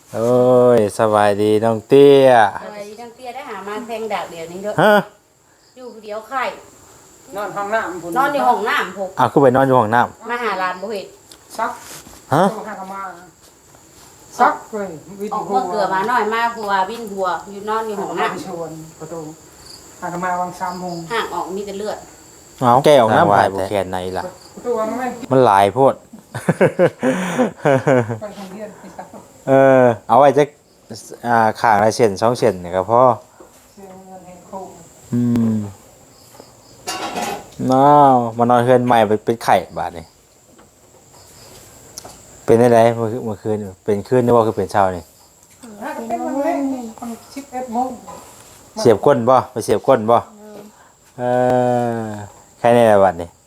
โอ้ยสบายดีน้องเตี้ยอะไรทั้งเตี้ยได้หามาแทงดากเดี๋ยวนี้เด้อฮะอยู่ผู้เดียวไข่นอนห้องน้ำผมนอนในห้องน้ำพกอ้าวคือไปนอนอยู่ห้องน้มาหาหลานบ่เห็นซักำฮะตัวห้ากมาซักเลยวิทออกหัเมื่อเกลือมาหน่อยมากหัววินหัวอยู่นอนอยู่ห้องน้ไปชวนประตูห้ากมาวาง3 โมงำห่างออกมีแต่เลือดเอาแกออกน้ำผ่ายบุแคนไหนล่ะประตูมันไม่มันหลายโพดไปทางเรียนไปซักเอาไว้จะข้างละเส้น2 เส้นนี่ก็พอเสียเงินให้ครูอืมน้าวมานอนเฮือนใหม่เป็นไข่บาดนี่เป็นได้ไรเมื่อคืนเป็นคืนนี่ว่าคือเป็นเช้านี่ถ้าเป็นวันเล่นมัน11 โมงเสียบก้นบ่ไปเสียบก้นบ่เออใครในระบัดนี่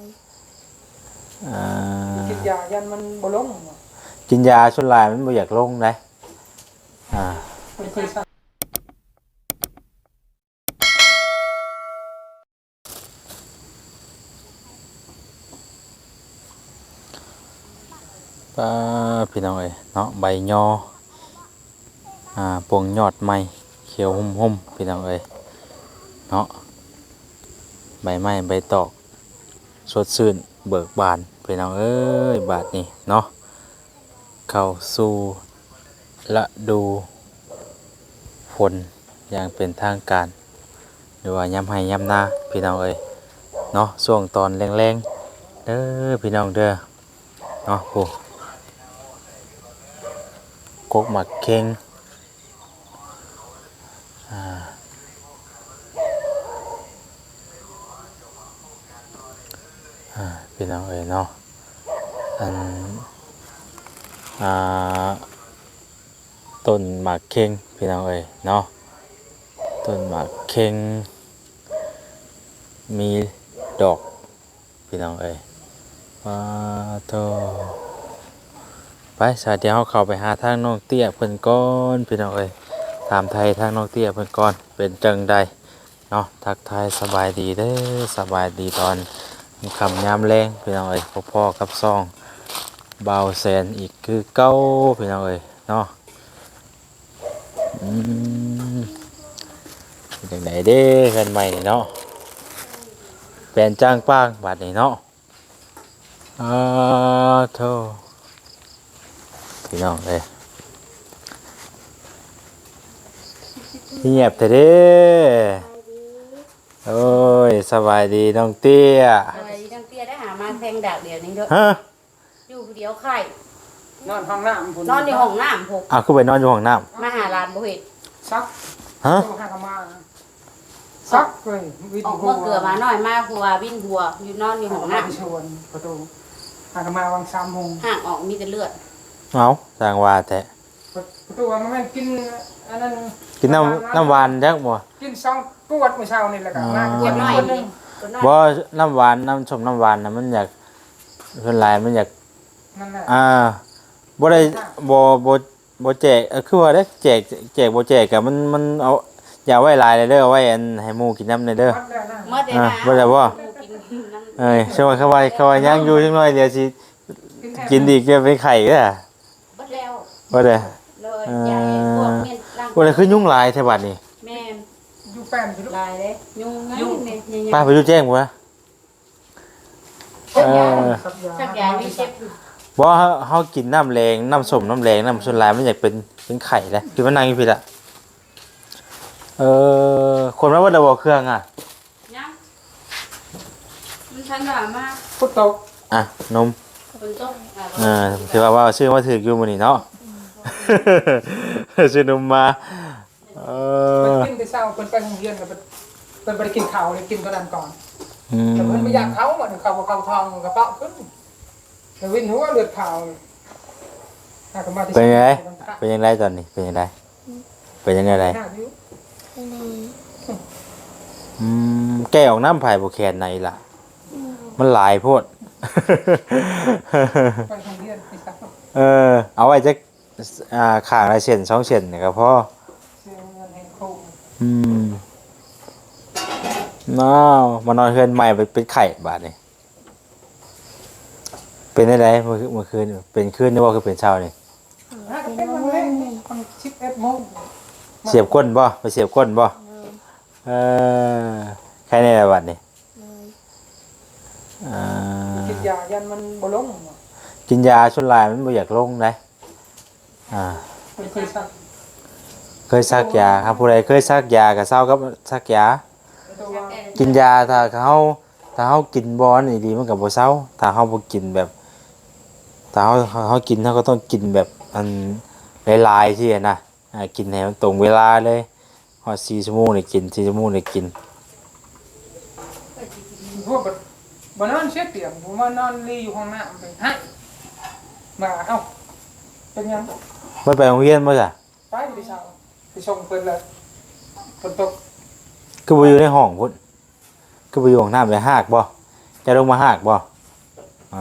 อ่ากินยายันมันบ่ลงกินยาชุนลายมันบ่อยากลงได้มันเคยซักพี่น้องเอ้ยเนาะใบยอปวงยอดไม้เขียวหุ่มๆพี่น้องเอ้ยเนาะใบไม้ใบตอกสดชื่นเบิกบานพี่น้องเอ้ยบาดนี้เนาะเข้าสู่ฤดูฝนอย่างเป็นทางการหรือว่ายามให้ยามนาพี่น้องเอ้ยเนาะช่วงตอนแรงๆเด้อพี่น้องเด้อเนาะโอ้กกหมักเค็งพี่น้องเอ๋ยเนาะอันต้นหมากเค็งพี่น้องเอ๋ยเนาะต้นหมากเค็งมีดอกพี่น้องเอ๋ยว้าโตไปสาเดี๋ยวเราเข้าไปหาทางน้องเตี้ยเพิ่นก่อนพี่น้องเอ๋ยถามไทยทางน้องเตี้ยเพิ่นก่อนเป็นจังใดเนาะทักทายสบายดีเด้อสบายดีตอนคำยามแรงพี่น้องเอ๋ยพ่อๆกับซองเบาแสนอีกคือเก้าพี่น้องเอ๋ยเนาะเป็นจังใดเด้เงินใหม่นี่เนาะแปลนจ้างป้างบาดนี่เนาะโธ่พี่น้องเอ้ยเงียบแต่เด้โอ้ยสบายดีน้องเตี้ยอะไรทั้งเตี้ยได้หามาแทงดากเดี๋ยวนี้เด้อฮะอยู่ผู้เดียวไข่นอนห้องน้ำผมนอนในห้องน้ำพกอ้าวคือไปนอนอยู่ห้องน้มาหาหลานบ่เห็นซักำฮะตัวห้ากมาซักเลยวิทออกหัเมื่อเกลือมาหน่อยมากหัววินหัวอยู่นอนอยู่ห้องน้ไปชวนประตูห้ากมาวาง3 โมงำห่างออกมีแต่เลือดเอาสร้างว่าแต่ประตูมันไม่กินอันนั้นกินน้ำหวานจักบ่กิน2 กวดเมื่อเช้านี่แหละกันมาเก็บหน่อยคนหนึนี่งตัวน้อยบ่น้ำหวานน้ำส้มน้ำหวานน่ะมันอยากส่วนหลายมันอยากนั่นแหละบ่ได้บ่แจกคือว่าได้แจกบ่แจกก็มันเอาอย่าไว้หลายเลยเด้อเอาไว้อันให้หมู่กินน้ำเลยเด้อวัดแล้วนะเมื่อเดือนบ่ได้บ่กินน้ำเอ้ยช่วยเขาว่ายังอยู่จังน้อยเดี๋ยวสิกินอีกจะเป็นไข่เด้อเบิดแล้วบ่ได้เลยยายพวกเมียนร่างบ่ได้คือยุ่งหลายแท้บัดนี้แม่นอยู่แป้นพี่ลูกลายเลยยุงไงเนี่ยป้าไปดูแจ้งบ่วะสักอย่างมีเจ็บบ่เฮากินน้ำแรงน้ำส้มน้ำแรงน้ำส่วนหลายมันอยากเป็นไข่แหละคือมันนั่งอยู่พี่ล่ะคนมาบ่ได้บ่เครื่องอ่ะยังมันทันหวานมากพุทโตอ่ะนมฝนตกถือว่าชื่อมาถึกอยู่มื้อนี้เนาะ ชื่อนมมาเพิ่นกินแต่เช้าเพิ่นไปโรงเรียนแล้วเพิ่นบ่ได้กินข้าวเลยกินตอนนั้นก่อน แต่เพิ่นบ่อยากเข้าบ่เข้าบ่เข้าท้องกระเป๋าขึ้นแล้ววินหัวเลือดขาวถ้าก็มาที่เป็นยังไงเป็นยังไงตอนนี้เป็นยังไงเป็นยังไงไรแก้ออกน้ำไผ่บุแคนไหนล่ะมันหลายโพดไปโรงเรียนไปซักเอาไว้จะข้างละเส้น2 เส้นนี่ก็พอเสียเงินให้ครูน้าวมานอนเฮือนใหม่เป็นไข่บาดนี่เป็นได้ไรเมื่อคืนเป็นคืนนี่ว่าคือเป็นเช้านี่ถ้าก็เป็นวันเลยมัน11 โมงเสียบก้นบ่ไปเสียบก้นบ่เออใครในระบัดนี่อ่ากินยายันมันบ่ลงกินยาชุนลายมันบ่อยากลงได้มันเคยซักเคยซักยาครับผู้ใดเคยซักยาก็เศร้ากับซักยากินยาถ้าเขากินบ่นี่ดีมันก็บ่เศร้าถ้าเขาบ่กินแบบถ้าเขากินเขาก็ต้องกินแบบอันหลายๆที่นะกินให้มันตรงเวลาเลยฮอด4 ชั่วโมงนี่กิน4 ชั่วโมงนี่กินพวกบ่นอนเช็ดเตียงผมว่านอนรีอยู่ห้องน้ำเป็นให้มาเอ้าเป็นยังบ่ไปโรงเรียนบ่จ้ะไปดิเช้าไปส่งเพิ่นเลยฝนตกคือบ่อยู่ในห้องพุ่นคือบ่อยู่ห้องน้ำไปหากบ่จะลงมาหากบ่อ่า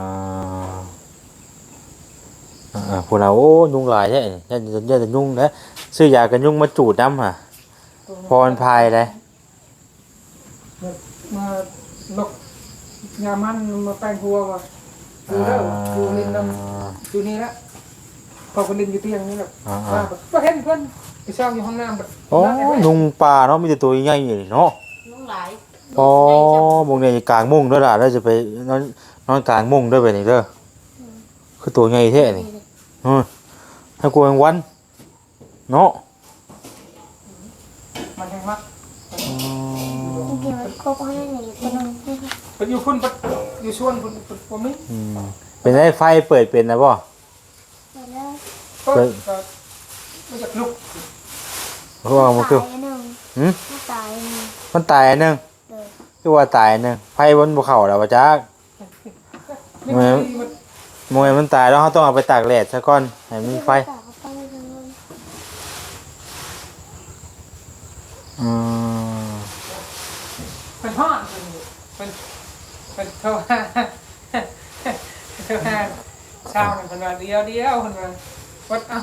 พวกเราโอ้ยุงหลายแท้ยันจะยุงนะซื้อยากันยุงมาจูดน้ำห่ะพรพายเลยมาลกยามันมาแปลงหัวว่ะดูเด้อดูลินนำดูนี่ละพอคนลินอยู่เตียงนี่แหละก็เห็นเพื่อนไปเช่าอยู่ห้องน้ำแบบโอ้ยุงป่าเนาะมีแต่ตัวใหญ่ๆเนาะน้องหลายอ๋อมุงเนี่ยกลางมุงด้วยล่ะแล้วจะไปนอนกลางมุงด้วยไปนี่เด้อคือตัวใหญ่แท้นี่ให้กลัวกลางวันเนาะมันยังมักเดี๋ยวก็ให้หนูไปนอนที่เป็นอยู่พุ่นอยู่ชวนพุ่นผมนี่เป็นไอ้ไฟเปิดเป็นนะบ่แล้วก็ไม่อยากลุกเพราะว่ามันคือตายหนึ่งตายหนึ่งมันตายอันหนึงเลยคือว่าตายอันหนึงไฟบนบ่เข้าแล้วว่าจัก มวยมันตายแล้วเขาต้องเอาไปตากแดดซะก่อนให้มันมีไฟอืมเป็นห้อนเป็นเท่าเช้าเนี่ยเป็นวันเดียวเป็นวันวัดเอา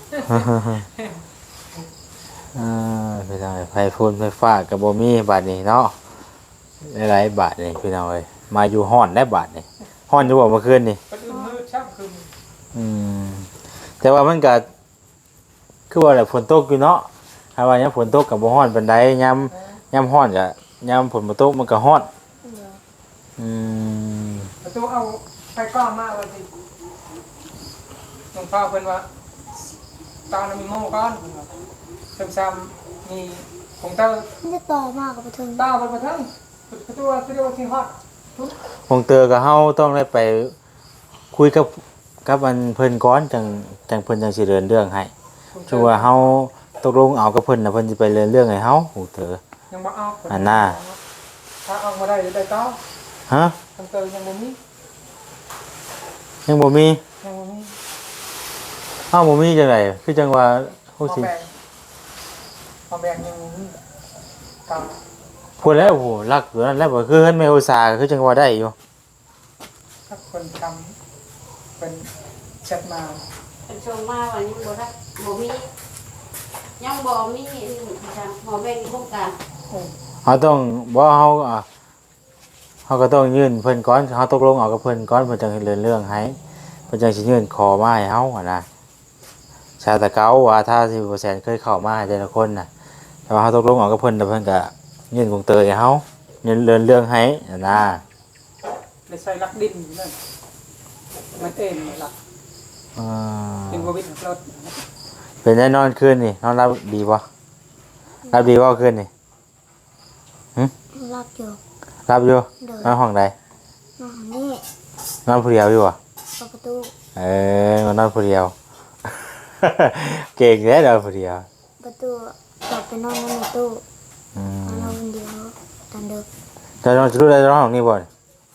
พี่น้องไฟฟูนไฟฟ้ากับโบมี่บาทนี้เนาะหลายๆบาทนี่พี่น้องเอ้ยมาอยู่ห้อนได้บาทนี่ห้อนอยู่บ่เมื่อคืนนี่เป็นมืดช่างคืนแต่ว่ามันก็คือว่าแบบฝนตกอยู่เนาะถ้าว่ายังฝนตกกับบ่ฮ้อนปานใดยามฮ้อนก็ยามฝนบ่ตกมันก็ฮ้อนมประตูเอาไปก้อนมากเลยสิหลวงพ่อเพิ่นว่าตอนมีโม่ก้อนซ้ำๆมีผงเต้ามันจะต่อมากกับประทึงเต้าบนประทังประตูที่เรียกว่าที่ฮอดคงเตอกับเฮาต้องได้ไปคุยกับอันเพิ่นก่อนจังเพิ่นจังสิเดินเรื่องให้ชัวาเฮาตกลงเอากับเพิ่นน่ะเพิ่นสิไปเดินเรื่องให้เฮาคงเตอยังบ่เอาอันน่ะถ้าเอามาได้เดี๋ยวได้ต่อฮะผงเต้ายังบ่มียังบ่มียังบ่มีอ้าวบ่มีจังไดคือจังว่าฮู้สิพอแบงยังบ่มีตามพูดแล้วโอ้โหรักตัวนั้นแล้วบ่คือเฮ็ดแม่อุตส่าห์คือจังว่าได้อยู่ถ้าคนทำเป็นแชทมาเป็นชมมาวันนี้บ่ได้บ่มียังบ่มีจังหมอแบ่งโครงการเฮาต้องบ่เฮาเฮาก็ต้องยื่นเพิ่นก่อนเฮาตกลงเอากับเพิ่นก่อนเพิ่นจังเดินเรื่องให้เพิ่นจังสิยื่นขอมาให้เฮาอะนะชาตะเกาว่าถ้า10%เคยเข้ามาให้แต่ละคนน่ะแต่ว่าเฮาตกลงเอากับเพิ่นแล้วเพิ่นก็ยื่นคงเตยให้เฮายื่นเดินเรื่องให้อะนะในใส่ลักดินนั่นมันเอ็นลักอ่าเป็นโควิดรถเป็นได้นอนคืนนี่นอนรับดีบ่รับดีบ่คืนนี่รับอยู่รับอยู่เดินนอนห้องใดนอนนี่นอนผู้เดียวอยู่บ่ประตูมานอนผู้เดียว เก่งแท้เด้อผู้เดียวประตูกลับไปนอนในตู้อืนอมนคนเดียวตอนเด็กจะนอนจะรู้ได้นอนห้องนี้บ่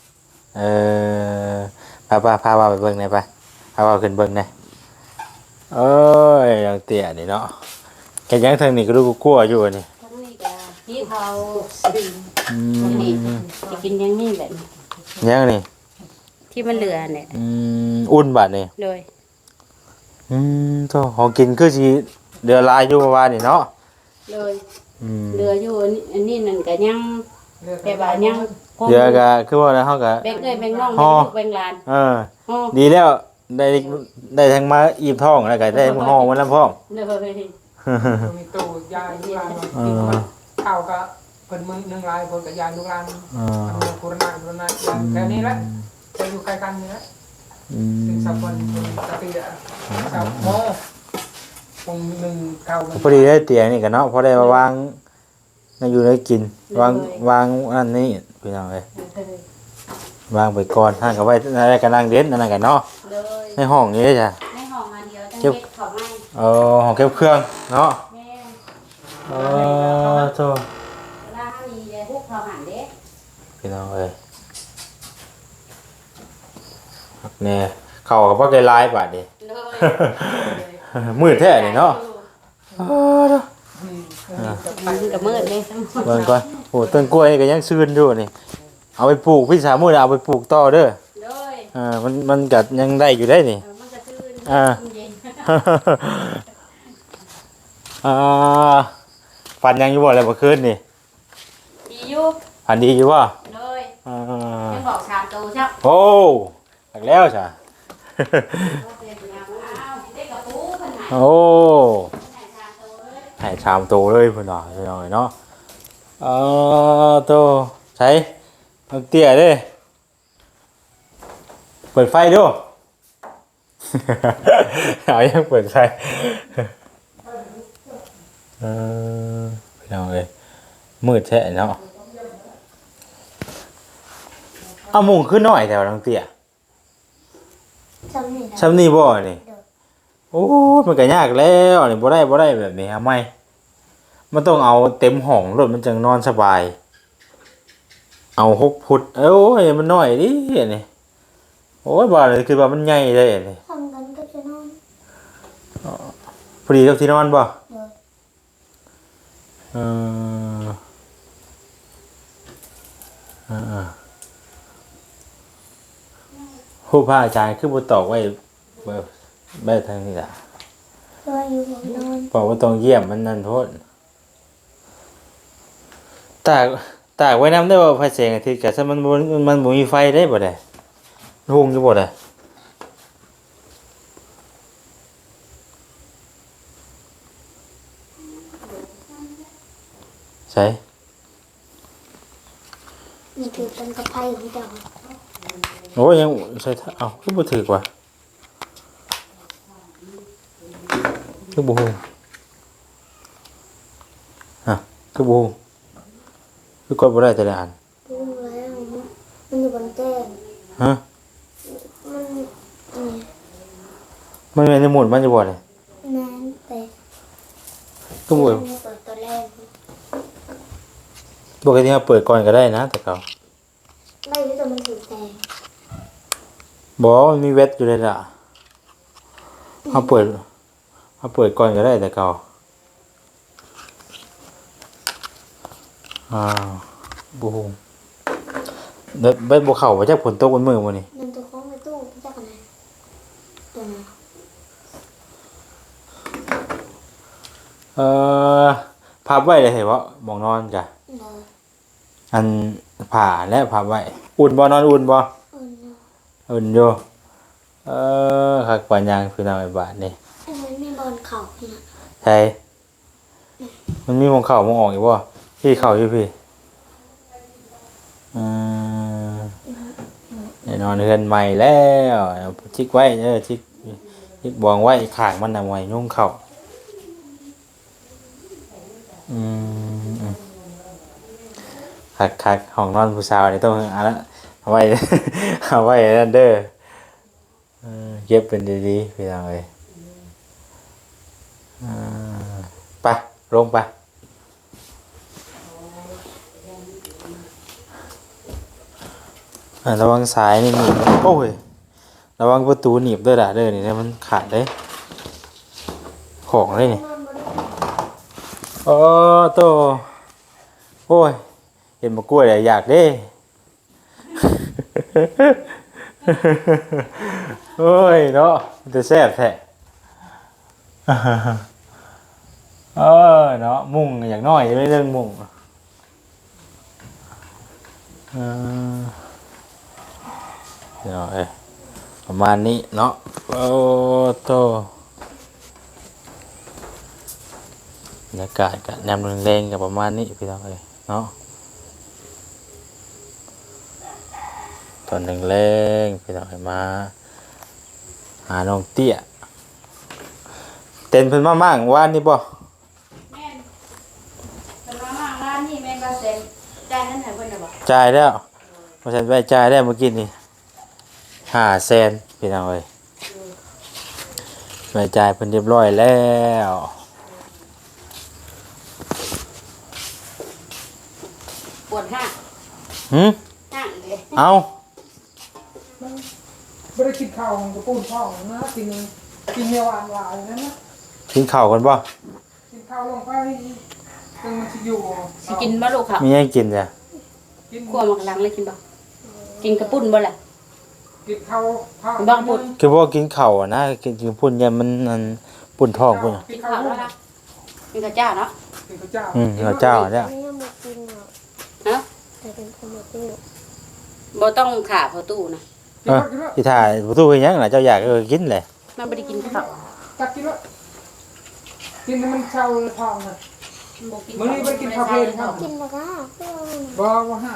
พาว่าไปเบิ่งหน่อยไปพาว่าขึ้นเบิ่งหน่อยเอ้ยยังเตี้ยนี่เนาะแกยังทางนี้ก็รู้กลัวอยู่นี่ทั้งนี้ก็ที่เขาดินอืนี่มจะกินอย่างนี้แบบนี้ยังนี่ที่มันเหลือเนี่ยอุ่นบาดนี่เลยโตของกินคือสิเดือดลายอยู่เมื่อวานนี่เนาะเลยอืมเหลืออยู่อันนี้นั่นก็ยังแต่ว่ายังคงเดือก็คือว่าแล้วเฮาก็แบ่งเอ้ยแบ่งน้องห่แบ่องลูกแบ่งหลานเอออ๋อดีแล้วได้ได้ทั้งมาอีบท้องแล้วก็ได้ห้องมันแล้วพร้อมเลยมีตู้ยายลูกหลานกินมันข้าวก็เพิ่นมึง1ลายเพิ่นก็ยายลูกหลานปุรณะแค่นี้แหละจะอยู่ใกล้กันนี่แหละถึงสักวันสติอ่ะสักโมคง1เข้าพอดีได้เตียงนี่กันเนาะพอได้มาวางในอยู่ในกินวางอันนี้พี่น้องเอ้ยวางไปก่อนท่านก็ไว้อะไรกันนั่งเด่นนั่นกันเนาะเลยในห้องนี้ได้จ้ะในห้องอันเดียวจังเฮ็ดเขาไม่ห้องเก็บเครื่องเนาะแม่โธ่เวลามีพวกเขาหันเด้พี่น้องเอ้ยเนี่ยเข้ากับว่าไกลายบาดดิเลยมืดแท้นี่เนาะมันก็มืดเลยเบิ่งก่อนโอ้ต้นกล้วยนี่ก็ยังซื่นอยู่นี่เอาไปปลูกพี่สาวมื้อเอาไปปลูกต่อเด้อเลยมันก็ยังได้อยู่ได้นี่มันก็ชื่นเย็นฝันยังอยู่บ่อะไรเมื่อคืนนี่ดีอยู่ฝันดีอยู่บ่เลยยังบอกชามโตใช่โอ้หักแล้วจ้ะเด็กกับปูขนาดโอ้ชามโตเลยให้ชามโตเลยเพิ่นว่าพี่น้องเนาะโตใช้เอาเตี้ยเด้เปิดไฟดู เอายังเปิดไฟพี่น้องเอ้ยมืดแท้เนาะเอามุงขึ้นหน่อยแต่ว่าน้องเตี้ยจำนี่นะซ้ำนี่บ่นี่โอ้มันก็ยากแล้วนี่บ่ได้แบบนี้ทำไมมันต้องเอาเต็มห้องรถมันจึงนอนสบายเอา6 ฟุตโอ้ยมันน้อยดินี่โอ้ยบ่เลยคือว่ามันใหญ่เลยนี่ทำกันก็จะนอนพอดีกับที่นอนบ่เดี๋ยวเออผู้พระอาจารย์คือบ่ตอกไว้แบบทางนี้ล่ะรออยู่ผมนอนบอกว่าต้องเยี่ยมมันนั่นโทษตากไว้น้ำได้ว่าไฟแสงอาทิตย์กับมันบ่มีไฟได้บ่ได้หุงอยู่บ่ได้ใช่นี่คือเป็นกระไพของเจ้าโอ้ยยังใช่เอ้าคือบ่ถือกว่าคือบ่ฮู้ฮะคือบ่ฮู้คือกดบ่ได้แต่ละอันดูแล้วมันอยู่บนแจ้งฮะมันนี่มันแม่นในหมุนมันจะบ่ได้แม่นแต่คือบ่เปิดตัวแรกปกติเราเปิดก่อนก็ได้นะแต่เขาไม่รู้แต่มันถือแตงบอกว่ามันมีเวทอยู่เลยล่ะเขาเปิดก่อนก็ได้แต่เขาบูมเบ็ดบัวเข่าไปจากผลตกบนมือมันนี่มันตัวของในตู้พี่จักรนะตัวไหนพับไว้เลยเห็นว่าหมองนอนจ้ะเลยอันผ่าและพับไว้อุ่นบ่นอนอุ่นบ่ อุ่นอยู่คักปานยางคือทางไอ้บาทนี่มันมีบอลเข่าพี่นะใช่มันมีหมองเข่ามองออกอยู่บ่พี่เข่าอยู่พี่แน่นอนเฮือนใหม่แล้วชิกไว้ชิกบองไว้ข้างมันน่ะไว้ยุ่งเข่าคักห้องนอนผู้สาวนี่ต้องเอาละเอาไว้ เอาไว้นั่นเด้อเก็บเป็นดีๆพี่น้องเอ้ยไปลงไประวังสายนี่หนีบโอ้ยระวังประตูหนีบด้วยล่ะเด้อนี่นะมันขาดได้ของเลยนี่โอ้โตโอ้ยเห็นมะกล้วยเลยอยากเด้ โอ้ยเนาะมันจะแซ่บแท้ เนาะมุ่งอย่างน้อยไม่เรื่องมุ่งเดี๋ยวประมาณนี้เนาะโอ้โตบรรยากาศกับแนมแรงๆกับประมาณนี้พี่น้องเอ้ยเนาะตอนแรงๆพี่น้องเอ้ยมาหาน้องเตี้ยเต้นเพิ่นมามั่งว่านนี่บ่แม่นเป็นมาม่าร้านนี่แม่นก็เซ็นจ่ายนั้นให้เพิ่นน่ะบ่จ่ายแล้วบ่ทันไปจ่ายได้เมื่อกี้นี่500,000พี่น้องเอ้ยไปจ่ายเพิ่นเรียบร้อยแล้วปวดห้างหึห้างเลยเอาไม่ได้กินข้าวของกระปุ้นท้องนะกินเนื้อหวานหวานนั่นนะกินข้าวกันบ่กินข้าวลงไปตึงมันจะอยู่สิกินบ่ลูกค่ะมีให้กินจ้ะกินคั่วหมักหลังเลยกินบ่กินกระปุ้นบ่ล่ะกินข้าวบางปุ่นคือว่ากินข้าวอะนะกินพุ่นเนี่ยมันปุ่นท้องพุ่นอะกินข้าวแล้วล่ะกินข้าวเจ้าเนาะกินข้าวเจ้าข้าวเจ้าเนี่ยไม่ยังไม่กินหรอกฮะแต่เป็นคนไม่กินหรอกบ่ต้องขาพอตู้นะกินแล้วกินแล้วที่ถ่ายประตูเป็นหยังล่ะเจ้าอยากกินเลยมันบ่ได้กินข้าวตักกินแล้วกินให้มันเช่าท้องนะบ่กินมื้อนี้บ่ได้กินข้าวเพลนครับกินแล้วก็เพื่อนบ่ฮะ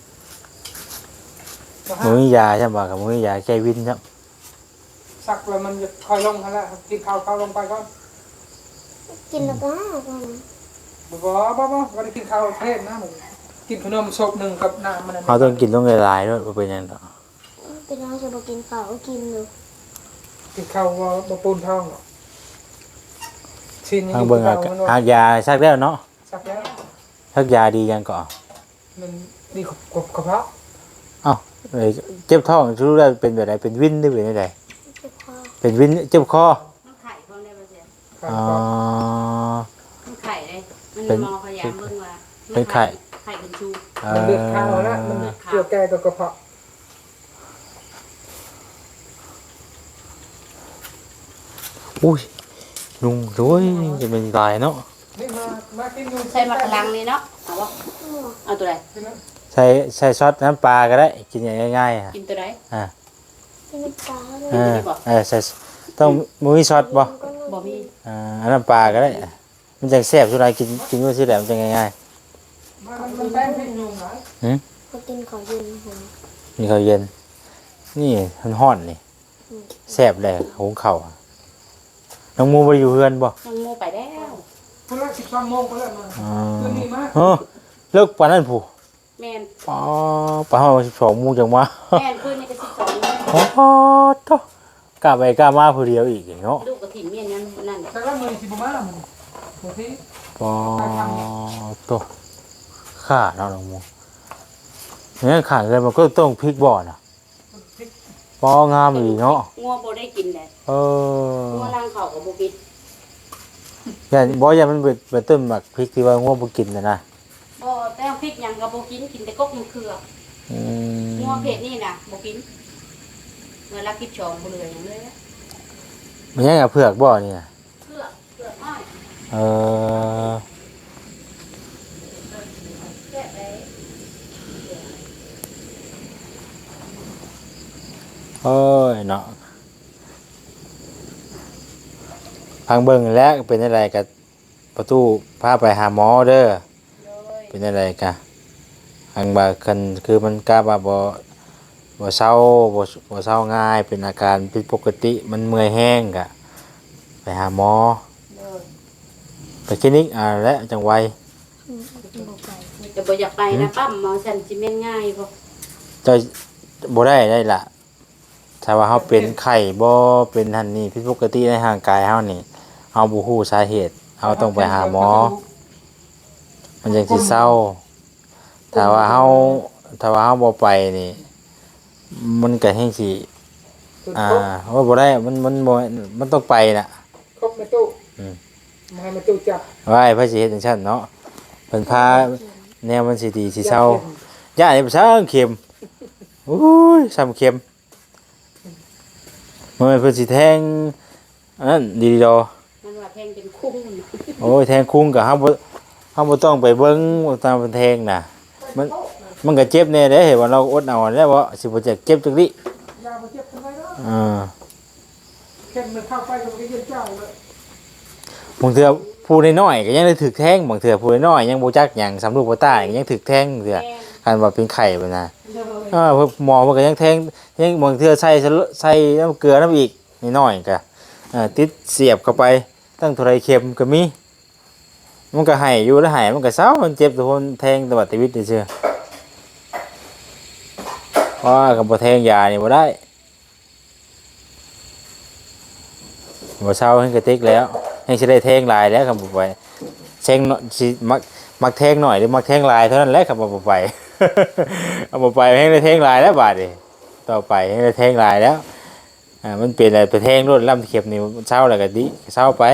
บ่ฮะมื้อยาใช่ป่ะกับมื้อยาแก้วินครับสักแล้วมันจะคอยลงกันแล้วกินข้าวลงไปก่อนกินแล้วก็ก่อนบ่ได้กินข้าวเพลนนะมึงกินขนมศพหนึ่งกับน้ำมันนั่นเขาต้องกินต้องหลายๆด้วยบ่เป็นหยังดอกเป็นน้องจะมากินเปล่าก็กินอยู่กินข้าวบ่ปูนท้องหรอกชิ้นนี้ทางเบิ่งข้าอาวมันหากยาซักแล้วเนาะสักแล้วซักยาดียังก่อนมันดีกระเพาะเอ้าเอ้ยเจ็บท้องรู้ได้เป็นแบบใดเป็นวินหรือเป็นจังไดเจ็บคอเป็นวินเจ็บคอมันไข่พร้อมได้บ่เสียอ๋อมันไข่เลยมันเป็นมองพยายามเบิ่งว่าเป็นไข่ไข่เป็นชูมันเลือดข้าวแล้วมันเกี่ยวแก่กับกระเพาะอุ้ยลุงด้วยจะเป็นตายเนาะนี่มากินอยู่ใส่หมักลังนี่เนาะเอาบ่เอาตัวใดใส่ซอสน้ำปลาก็ได้กินง่ายๆอ่ะกินตัวใดกินน้ำปลาเลยใส่ต้องมีซอสบ่บ่มีอันน้ำปลาก็ได้มันจังแซ่บสุดท้ายกินว่าสิแหละมันจังง่ายมันแป้งพริกยุงไหนก็กินของเย็นหัวๆมีข้าวเย็นนี่มันฮ้อนนี่แซ่บเลยหุงข้าวอะน้องหมูบ่ได้อยู่เฮือนบ่น้องโมไปแล้วคนละ12 โมงคนละมาคืนนี้มาเลิกปานนั้นผู้แม่นอ๋อปานเฮา12โมงจังมาแม่นคืนนี้ก็12โมงอ๋อโตกล้าไปกล้ามาผู้เดียวอีกเนาะลูกกระถิ่นเมียนยังนั่นแหละแต่ละมื้อสิบ่มามันบางทีอ๋อโตข้าเนาะน้องหมูเนี่ยข้าเลยมันก็ต้องพริกบ่อน่ะปองามอีกเนาะงัวบ่ได้กินแหละ งัวล่างเขาก็บ่กินอย่ามันเบิดต้นหมักพริกที่ว่าง่วงบ่กินนะบ่แต่พริกหยังก็บ่กินกินแต่กกมะเขืออืมงัวเพศนี่น่ะบ่กินเมื่อรักกินชองบ่เหลือหยังเลยอะมันยังกับเผือกบ่นี่น่ะเผือกอ้อยเออแซ่บเลยโอ้ยเนาะพังเบิ่งแล้วเป็นอะไรกับประตูพาไปหาหมอเด้อเลยเป็นอะไรกะอังบาคันคือมันกล้าว่าบ่เศร้าบ่เศร้าง่ายเป็นอาการผิดปกติมันเมื่อยแห้งกะไปหาหมอเลยไปคลินิกและจังไวแต่บ่อยากไปนะปั๊มหมอฉันสิแม่นง่ายบ่เจ้าบ่ได้ล่ะถ้าว่าเฮาเป็นไข้บ่เป็นหั่นนี่ผิดปกติในร่างกายเฮานี่เฮาบ่ฮู้สาเหตุเฮาต้องไปหาหมอ มันจังสิเศร้าถ้าว่าเฮาบ่ไปนี่มันก็แฮงสิว่าบ่ได้มันบ่มันต้องไปน่ะครบในตู้อืมมาให้มาตู้จับว่าไอ้พระสิเฮ็ดจังซั่นเนาะเพิ่นพาแนวมันสิดีสิเศร้าย่านี่บ่ซังเข็มอุ้ยซ้ำเข็มมันเพิ่นสิแทงอันนั้นดีดอมันว่าแทงเป็นคุ้งโอ้ยแทงคุ้งก็เฮาบ่ต้องไปเบิ่งว่าตามเพิ่นแทงน่ะมันก็เจ็บแน่เด้เห็นว่าเราอดเอาแล้วบ่สิบ่จะเจ็บจังนี้ยามาเจ็บทำไมเนาะเข็มมันเข้าไปตรงนี้เจ้าเลยบางเทื่อผู้น้อยๆก็ยังได้ถึกแท้งบางเทื่อผู้น้อยๆยังบ่จักหยังสำลูกบ่ตายก็ยังถึกแท้งเทื่อคันว่าเป็นไข้บัดน่ะโดยพวกหมอเพิ่นก็ยังแท้งยังบางเทื่อใส่น้ำเกลือน้ำอีกนิดหน่อยก็ติดเสียบเข้าไปตั้งเท่าไรเข็มก็มีมันก็ให้อยู่แล้วให้มันก็เศร้ามันเจ็บทุกคนแทงตลอดชีวิตเชื่อเพราะว่ากับบ่แทงยานี่บ่ได้บ่เศร้าให้กระติกแล้วให้สิได้แทงหลายแล้วครับบ่ไปแทงสิมักแทงหน่อยหรือมักแทงหลายเท่านั้นแหละครับบ่ไป เอาบ่ไปให้ได้แทงหลายแล้วบาดนี้ต่อไปให้ได้แทงหลายแล้วมันเป็นอะไรไปแทงรถล่ำเข็มนี่เศร้าแล้วก็ดิเศร้าไป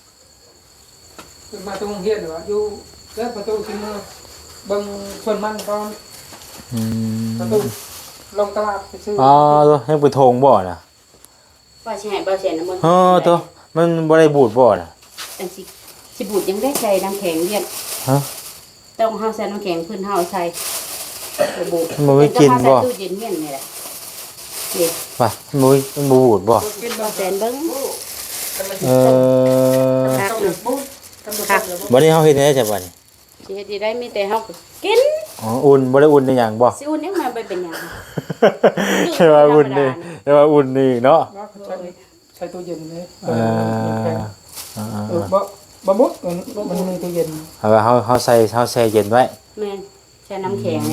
มาตรงเฮียนหรออยู่แล้วประตูที่มือบังชนมันตอนประตูลงตลาดไปซื้ออ๋อตัวยังไปโทงบ่อนะว่าสิให้บ่เสียน้ำมันอ๋อตัวมันบ่ได้บูดบ่อนะจังสิบูดยังได้ใส่น้ำแข็งเรียนฮะต้องเฮาใส่น้ำแข็งเพิ่นเฮาใส่บูดมันไม่กินบ่ใส่ตู้เย็นเฮียนนี่แหละนี่ป่ะมันบ่บูดบ่กินบ่แสนเบิ่งเออคักต้องอยู่บู๊คักบ่ได้เฮาเฮ็ดได้ใช่ป่ะนี่สิเฮ็ดได้มีแต่เฮาก็กินอ๋ออุ่นบ่ได้อุ่นได้หยังบ่สิอุ่นยังมาไปเป็นหยังใช่ว่าอุ่นนี่ใช่ว่าอุ่นนี่เนาะใช้ตู้เย็นเลยเออบ่มุดมันมีตู้เย็นเอาว่าเฮาใส่เฮาแช่เย็นไว้แม่นใส่น้ำแข็งแน่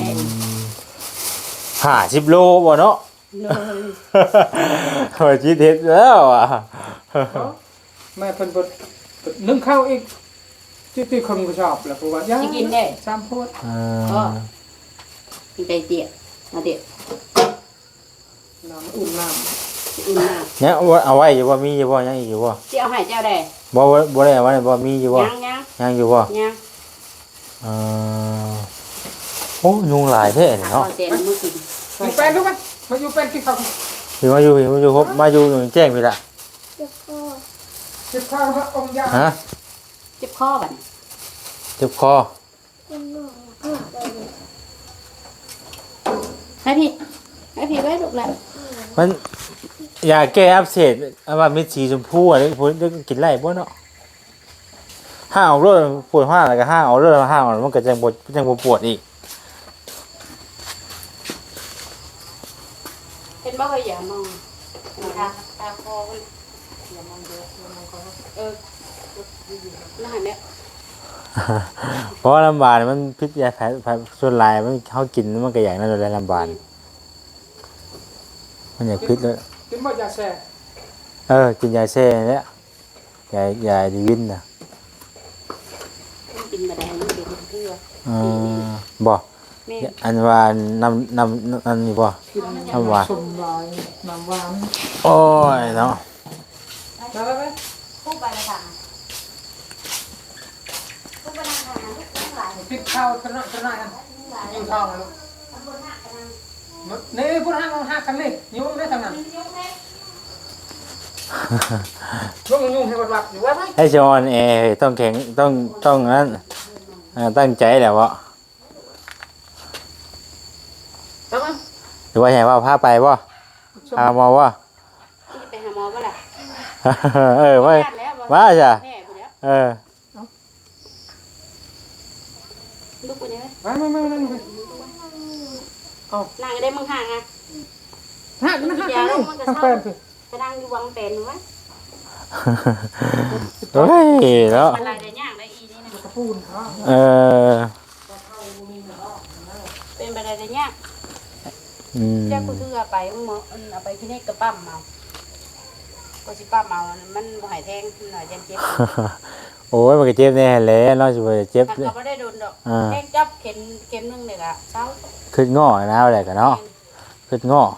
50โลบ่เนาะเลยโอ้ยจิตเฮ็ดแล้วอ่ะแม่เพิ่นนึ่งข้าวอีกที่คนก็ชอบแหละเพราะว่าย่าสิกินได้สามโพดกินไก่เตี๋ยมาเตี๋ยน้ำอุ่นน้อุ่นมากเนี่ยเอาไว้อยู่บ่มีอยู่บ่ยังอีกอยู่บ่สิเอาให้เจ้าได้บ่ได้เอาไว้บ่มีอยู่บ่ยังยังอยู่บ่ยังเออโอ้ยุงหลายแท้นี่เอาเนาะเส้นมือกินำอยู่เป็นรู้ไหมมาอยู่เป็นกินข้าวพี่มาอยู่ครบมาอยู่แจ้งพี่ละเจ็บคอกินข้าวพระองค์ยาฮะเจ็บคอบัดนี้เจ็บคอเป็นหนองเพื่อไปเลยให้พี่ไว้ลูกหลานมันยาแก้อักเสบอันว่าเม็ดสีชมพูอ่ะนี่ผมกินไล่บ่เนาะห้าเอาเรื่องปวดห้าแล้วก็ห้าเอาเรื่องห้าเอามันก็จังบ่ปวดอีกเห็นบ่เคยอย่ามองตาคอมันอย่ามองเยอะอย่ามองคอน่าเนี่ยเพราะว่าลำบากมันพิษยาแผลส่วนหลายมันเฮากินมันก็อย่างนั้นเลยลำบากมันอยากพิษเลยกินบ่ยาแช่กินยาแช่เนี่ยยาดีวินน่ะกินมาได้มันเป็นเพื่อบ่แม่อันว่าน้ำนี่บ่กินน้ำหวานชมลายน้ำหวานโอ้ยเนาะไปคู่ไปละค่ะคู่ไปละค่ะลูกทั้งหลายกินข้าวขนาดกันกินข้าวลูกนี่พูดห้ากันนี่ยุ่งได้ทางนั้นยุ่งให้วัดอยู่ว่าไหมให้จอนต้องแข็งต้องนั้นตั้งใจแหละวะต้องไหมหรือว่าไงว่าพาไปบ่พามาบ่นี่ไปหาหมอบ่ล่ะว่าจ้ะแม่ผู้เดียวเออลูกผู้เดียวไม่นั่งได้มึงห่างอ่ะห้ากันห้ากันนี่ทำเป็นคือไปนั่งอยู่วังเป็นวะเฮ้ยเนาะอะไรได้ย่างได้อีนี่นะกระปูนเขาเออเป็นไปได้ย่างเจ้ากูถือไปมึงเอาไปที่นี่กระปั้มเอาก็สิปั้มเอามันบ่หายแทงหน่อยจังเจ็บโอ้ยมันก็เจ็บแน่แหละเนาะสิบ่เจ็บถ้าเขาไม่ได้โดนดอกแทงจับเข็มนึงเลยอะเช้าขึ้นง้อนะอะไรกันเนาะขึ้นง้อ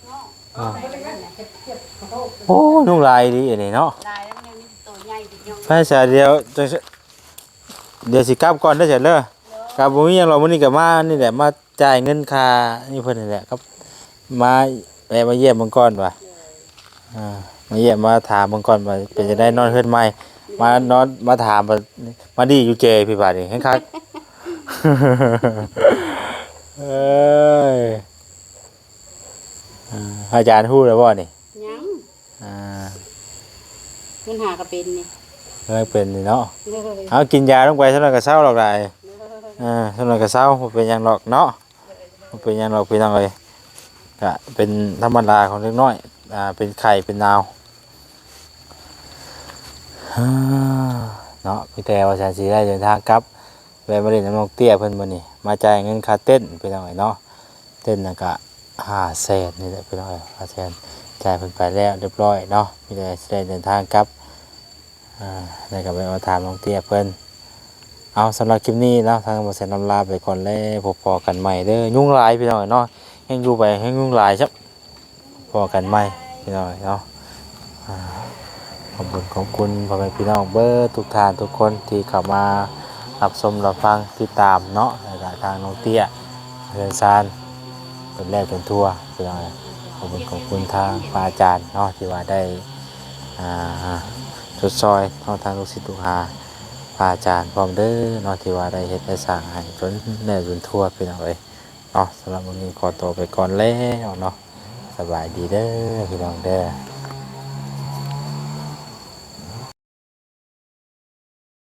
โอ้นุ่งลายดีอันนี้เนาะลายแล้วมันมีตัวใหญ่ติดยองภาษาเดียวเดี๋ยวสิกลับก่อนได้เสร็จเลยกลับบ่มีหยังหรอกมื้อนี้ก็มานี่แหละมาจ่ายเงินค่านี่เพิ่นนี่แหละครับมามาเยี่ยมเบิ่งก่อนว่ามาเยี่ยมมาถามเบิ่งก่อนว่าเป็นจะได้นอนเฮือนใหม่มานอนมาถามมาดีอยู่เจพี่บาดนี่แฮงคัก เอ้ยอาจารย์ฮู้แล้วบ่นี่ยังเงินหาก็เป็นนี่เลยเป็นนี่เนาะเลยเอากินยาลงไปเท่านั้นก็เศร้าหรอกได้เท่านั้นก็เศร้าบ่เป็นหยังหรอกเนาะบ่เป็นหยังหรอกพี่น้องเอ้ยก็เป็นธรรมดาของเล็กน้อยเป็นไข่เป็นนาวเนาะมีแต่ว่าฉันสิได้เดินทางกลับแวะมาเล่นน้ำนกเตี้ยเพิ่นมื้อนี้มาจ่ายเงินค่าเต้นพี่น้องเอ้ยเนาะเต้นน่ะก็500,000นี่แหละพี่น้องเอ้ย500,000จ่ายเพิ่นไปแล้วเรียบร้อยเนาะมีแต่สิได้เดินทางกลับแล้วก็ไปเอาถามน้องเตี้ยเพิ่นเอาสำหรับคลิปนี้เนาะทางบ่แซ่นำลาไปก่อนแล้วพบพอกันใหม่เด้อยุ่งหลายพี่น้องเอ้ยเนาะแฮงอยู่ไปแฮงยุ่งหลายซับพอกันใหม่พี่น้องเอ้ยเนาะขอบคุณพ่อแม่พี่น้องเบิดทุกท่านทุกคนที่เข้ามารับชมรับฟังติดตามเนาะแล้วก็ทางน้องเตี้ยเรือนซานเป็นแรกเป็นทั่วพี่น้องเอ้ยขอบคุณทางพระอาจารย์เนาะที่ว่าได้ชดซอยเนาะทางลูกศิษย์ลูกหาพระอาจารย์พร้อมเด้อเนาะที่ว่าได้เฮ็ดได้สร้างให้จนแน่จนทั่วพี่น้องเอ้ยเนาะสำหรับวันนี้ขอตัวไปก่อนแล้วเนาะสบายดีเด้อพี่น้องเด้อ